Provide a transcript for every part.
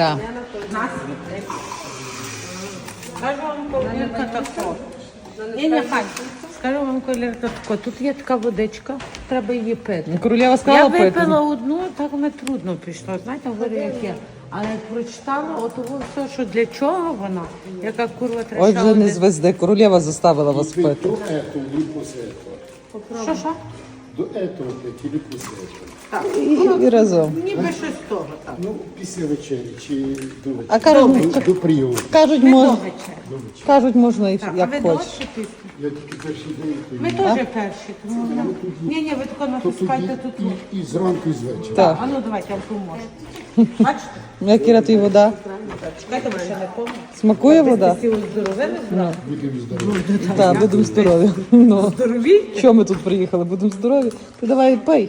Так. Скажу вам, колірка тако. Ні, хай. Скажу вам, колірка тако. Тут є така водичка, треба її пити. Королева Я сказала пити. випила одну, так мені трудно пішло. Знаєте, говорю, як є. Але як прочитала, от все, що для чого вона, яка курва треба. Ой, вже не звезди. Королева заставила вас пити. До этого или после этого? Що? До этого пить или после этого? І разом. Ніби щось того так. Ну, після вечері чи до вечері? А кажуть, До прийому. кажуть, Ми мож... до вечора. кажуть, можна і Так, а як ви хочеш. довше після? Я тільки перший день пив. Ми теж перші, тому ні, ви тако То натискайте тут. тоді і зранку, і з вечора. Так. А ну давайте, я вам поможу. Бачите? Ну, як Іра, то й вода. Чекайте, ви ще не помните. Смакує вода? Всі оздоровили зразу? Будемо здорові. Так, будемо здорові. Ну. Здорові? Що ми тут приїхали? Будемо здорові. Ти давай пий.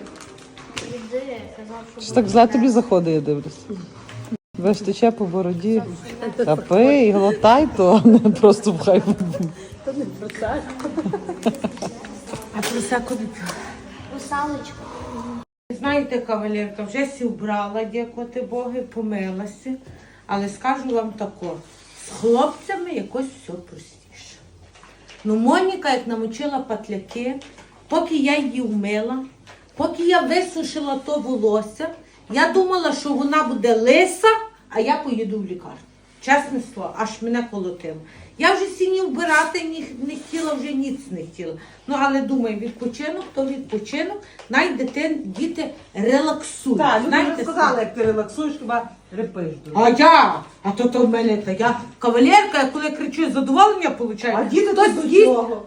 Що так зле тобі заходить, я дивлюсь. Весь тече по бороді. Та пий, глотай, то не просто пхай. А просеку не п'ю. Русалочка. Знаєте, кавалерка, вже сі вбрала, дякувати Боги, помилася. Але скажу вам тако, з хлопцями якось все простіше. Ну, Моніка, як намочила патляки, поки я її вмила, поки я висушила то волосся, я думала, що вона буде лиса, а я поїду в лікарню. Чесне слово, аж мене колотило. Я вже сіні вбирати не хотіла, вже ніц не хотіла. Ну, але думаю, відпочинок, то відпочинок, діти релаксують. Так, люди Знаєте, вже сказали, як ти релаксуєш, хіба репиш дуже. А то в мене та я кавалерка, я коли кричу, задоволення получаю. А діти Хтось тут до їсть. цього.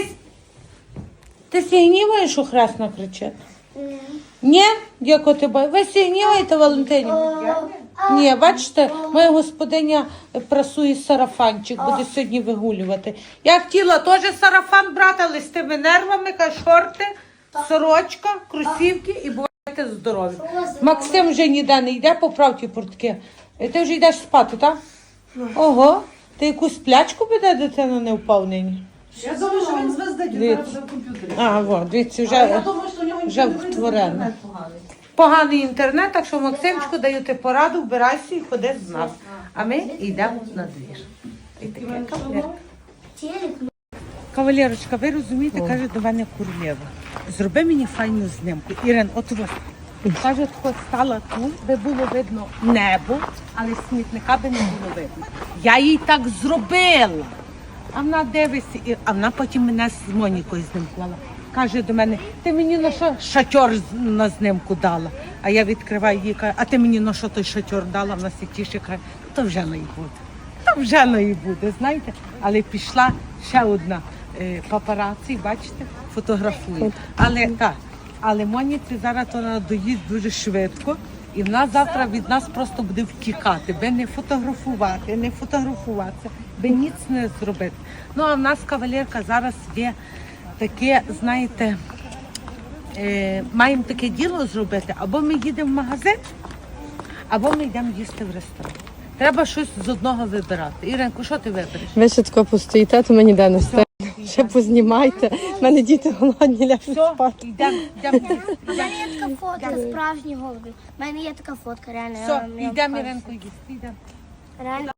Ти сігніваєш, що хресно кричить? Ні, дякую бай. Ви сігніваєте, Валентині? Ні, бачите, моя господиня прасує сарафанчик, буде сьогодні вигулювати. Я хотіла теж сарафан брати, але з тими нервами, шорти, сорочка, кросівки і бувайте здорові. Максим вже ніде не йде, поправ ті портки. Ти вже йдеш спати, так? Ого, ти якусь плячку буде, дитина не впав нині? Я думаю, що він звездить, він зараз вже в комп'ютері. А, от, дивіться, Але я вже думаю, що у нього вже інтернет втворено. поганий. Поганий інтернет, так що Максимчику даю ти пораду, вбирайся і ходи з нас. А ми йдемо на двір. І таке кавалерка. Кавалерочка, ви розумієте, каже до мене королева. Зроби мені файну знімку. Ірин, от ось. Каже, тако стала тут, де було видно небо, але смітника би не було видно. Я їй так зробила. А вона дивиться, а вона потім мене з Монікою знімкувала. Каже до мене, ти мені на що шатьор на знімку дала? А я відкриваю її, кажу, а ти мені на що той шатьор дала? Вона сітіше каже, то вже не буде. То вже не буде, знаєте. Але пішла ще одна папараці, бачите, фотографує. Але Моніці зараз то надоїсть дуже швидко. І вона завтра від нас просто буде втікати, би не фотографувати, не фотографуватися, би ніц не зробити. Ну, а в нас кавалерка зараз є таке, знаєте, маємо таке діло зробити, або ми їдемо в магазин, або ми йдемо їсти в ресторан. Треба щось з одного вибирати. Іринко, що ти вибереш? Ви ще тако постоїте, то мені де не стане. Ще познімайте. У мене діти голодні, ляжуть Все, спати. йдемо. У мене є така фотка справжній голубів. У мене є така фотка, реально. Все, йдемо, Іринко, їсти, йдемо. Реально.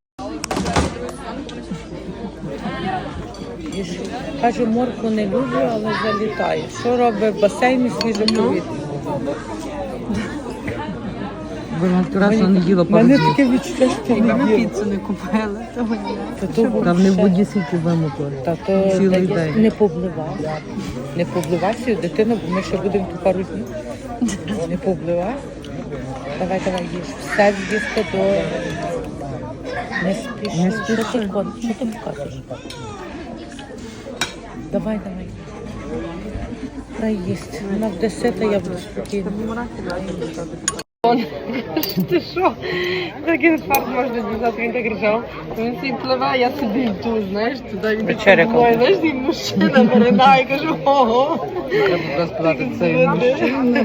Каже, морку не люблю, але залітає. Що робить в басейні свіже повітря? Вона красно не їла пару Мене днів. таке відчуття, що я не їла. Піцу не купили, то мені. Там не в воді скільки вимокли. Та то Цілий день. не повливайся. Не повливайся, дитина, бо ми ще будемо тут пару днів. Не повливайся. Давай, їж. Все з'їсти до... Не спіши. Що ти показуєш? Давай. Дай їсти. Вона буде сита, я буду спокійна. Ти що? Такий фарт можна дізнати, він так ржав. Він собі пливе, я собі йду, знаєш, туди він Вечеря так мною, знаєш, і мужчина передає, кажу, ого. Треба розказати цей мужчина.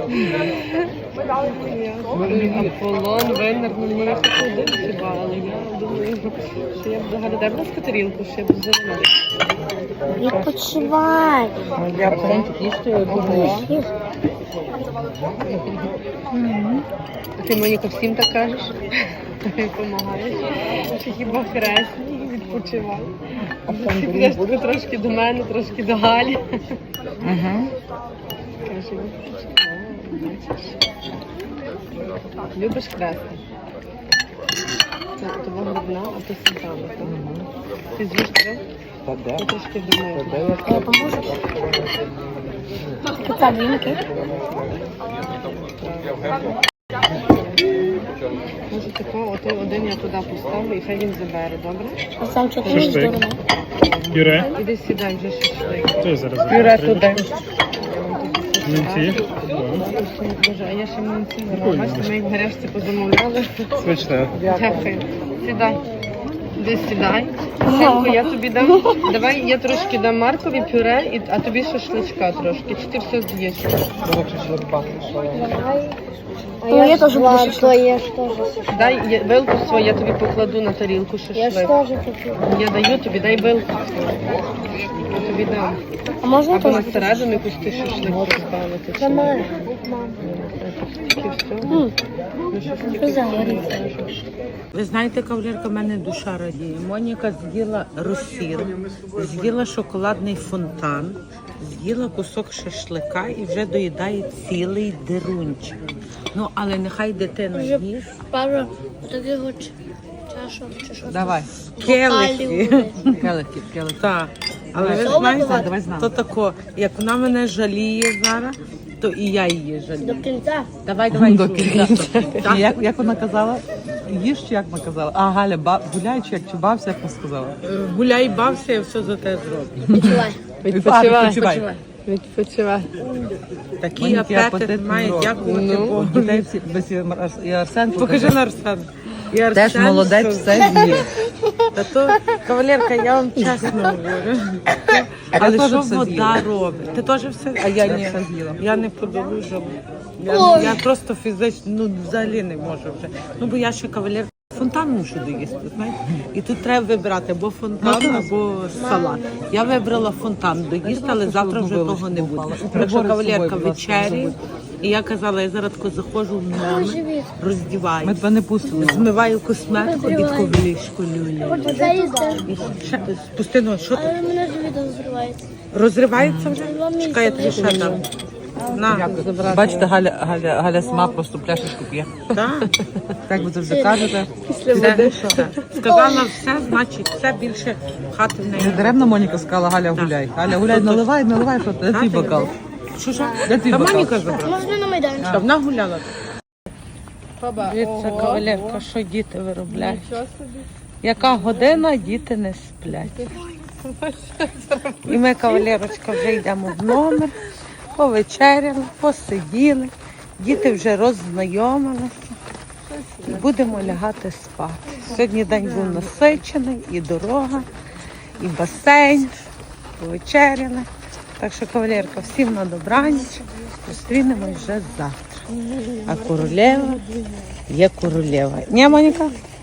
Аполлон, винернув, мене хоч один хіба, але я думаю, що я б загородив на скатерілку, ще б зелений. Відпочивай. Я потім їсти, я буду. Ти, Моніка, всім так кажеш? Допомагаєш. Чи хіба хресні відпочивай. Ти підеш таки трошки до мене, трошки до Галі. Угу. Каже, відпочивай, бачиш. Любиш хрести? Це того грудна, а то сметана, так? Ти з'їш три? Я трошки думаю. Може такого, отой один я туди поставлю і хай він забере, добре? А сам що ти здорово? Пюре. Іди сідай вже шашлик. То зараз. Пюре туди. Млинці. Боже, а я ще млинці не робила. Бачите, ми їх в гарячці позамовляли. Смачне. Дякую. Сідай. Іди сідай. Синку, я тобі дам. Давай я трошки дам Маркові пюре, а тобі шашличка трошки. Чи ти все з'їш? Ну, я теж буду шашлик. Дай вилку свою, я тобі покладу на тарілку шашлик. хочу. Я даю тобі, дай вилку. Я тобі дам. А можна Або на середину якусь ти шашлик поставити. чи ні? Тільки все. Ну, щось тільки. Ви знаєте, кавалерка, в мене душа радіє. Моніка з'їла розсіл, з'їла шоколадний фонтан, з'їла кусок шашлика і вже доїдає цілий дерунчик. Ну, але нехай дитина їсть. Пару таких чашок чи що. Давай. Келихи. Келихи. Так. Але ви Солодко? знаєте, Давай з нами. то тако, як вона мене жаліє зараз, то і я її жалію. До кінця. Давай, давай. До Жу. кінця. Так. Як вона казала? Їж чи як вона казала? А, Галя, гуляй чи як чи бався, як вона сказала? Гуляй, бався, я все за те зроблю. Відчувай. Відпочивай. Відпочивай. Такий Маленький апетит апетит має, урок. дякувати Богу. Дітей всі, без і Арсен. Покажи на Арсена. І Теж Арсен, молодець, що- все з'їв. Та то, кавалерка, я вам чесно говорю. Але теж що все вода з'їла. робить? Ти теж все? А я ні. все з'їла. Я не подолужу. Ой. Я просто фізично, ну взагалі не можу вже. Ну бо я ще кавалерка. Фонтан мушу доїсти, знаєте? І тут треба вибирати або фонтан, або салат. Я вибрала фонтан доїсти, але завтра вже того не буде. Так що кавалерка вечері. І я казала, я зараз тако заходжу в номер, роздіваюся, Ми тебе не пустили. змиваю косметику і тако в ліжко люлю. Це їсти. І ще спусти ноги, що ти? Але мене ж відео зривається. Розривається вже? Чекай, я тобі ще дам. На, Бачите, Галя сама просто пляшечку п'є. так. Так ви завжди кажете. Все. Сказала все, значить все, більше хати в Не неї. даремно Моніка сказала, Галя гуляй. Галя гуляй, наливай, що ти? Де твій бокал? Що ж? Де твій Та бокал? Моніка забрала. Можна на майданчик. Та вона гуляла. Дивіться, кавалерка, що діти виробляють. Яка година, діти не сплять. І ми, кавалерочка, вже йдемо в номер, повечеряли, посиділи, діти вже роззнайомилися і будемо лягати спати. Сьогодні день був насичений, і дорога, і басейн, повечеряли. Так що, кавалерка, всім на добраніч, зустрінемось вже завтра. А королева є королева. Ні, Моніка?